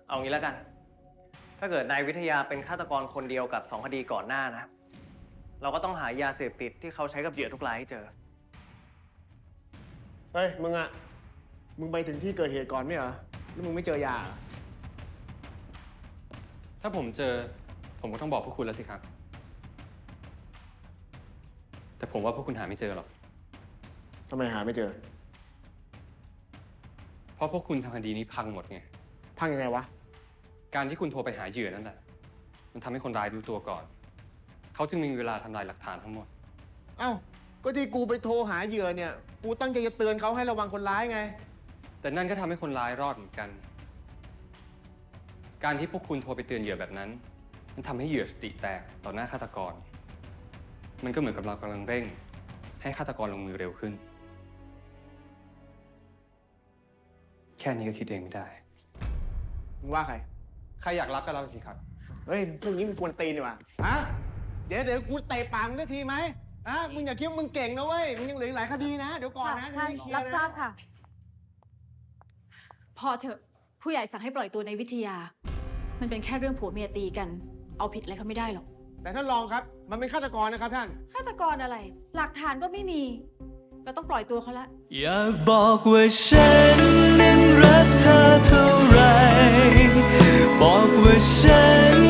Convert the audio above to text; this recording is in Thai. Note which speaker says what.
Speaker 1: เอางี้แล้วกัน ถ้าเกิดนายวิทยาเป็นฆาตกรคนเดียวกับ2 คดีก่อนหน้านะ เราก็ต้องหายาเสพติดที่เขาใช้กับเหยื่อทุกรายให้เจอ
Speaker 2: เฮ้ย มึงไปถึงที่เกิดเหตุก่อนไม่เหรอแล้วมึงไม่เจอยาเหรอ
Speaker 3: ถ้าผมเจอผมก็ต้องบอกพวกคุณแล้วสิครับ แต่ผมว่าพวกคุณหาไม่เจอหรอก
Speaker 2: ทำไมหาไม่เจอ
Speaker 3: เพราะพวกคุณทำคดีนี้พังหมดไง
Speaker 2: พังยังไงวะ
Speaker 3: การที่คุณโทรไปหาเหยื่อนั่นแหละ มันทำให้คนร้ายรู้ตัวก่อน เขาจึงมีเวลาทำลายหลักฐานทั้งหมด
Speaker 2: เอ้า ก็ที่กูไปโทรหาเหยื่อเนี่ย กูตั้งใจจะเตือนเขาให้ระวังคนร้ายไง
Speaker 3: แต่นั่นก็ทำให้คนร้ายรอดเหมือนกัน การที่พวกคุณโทรไปเตือนเหยื่อแบบนั้น มันทำให้เหยื่อสติแตกต่อหน้าฆาตกร มันก็เหมือนกับเรากำลังเร่ง ให้ฆาตกรลงมือเร็วขึ้น แค่นี้ก็คิดเองไม่ได้
Speaker 2: มึงว่าใคร
Speaker 3: ใครอยากรับก็รับสิครับ
Speaker 2: เฮ้ย พวกนี้มึงกวนตีนดีกว่าฮะ เดี๋ยวกูเตะปากมึงสักทีไหมฮะ มึงอย่าคิดว่ามึงเก่งนะเว้ย มึงยังเหลืออีกหลายคดีนะ เดี๋ยวก่อนนะ
Speaker 4: ท่าน
Speaker 2: ยังไม่เคลีย
Speaker 4: รับ
Speaker 2: ร์
Speaker 4: ทรา
Speaker 2: นะ
Speaker 4: บค่ะ พอเถอะผู้ใหญ่สั่งให้ปล่อยตัวในวิทยา มันเป็นแค่เรื่องผัวเมียตีกัน เอาผิดอะไรเขาไม่ได้หรอก
Speaker 2: แต่ท่านรองครับ มันเป็นฆาตกรนะครับท่าน
Speaker 4: ฆาตกรอะไร หลักฐานก็ไม่มี เราต้องปล่อยตัวเขาละ
Speaker 5: อยากบอกว่าฉันนั้นรักเธอเท่าไร บอกว่าฉัน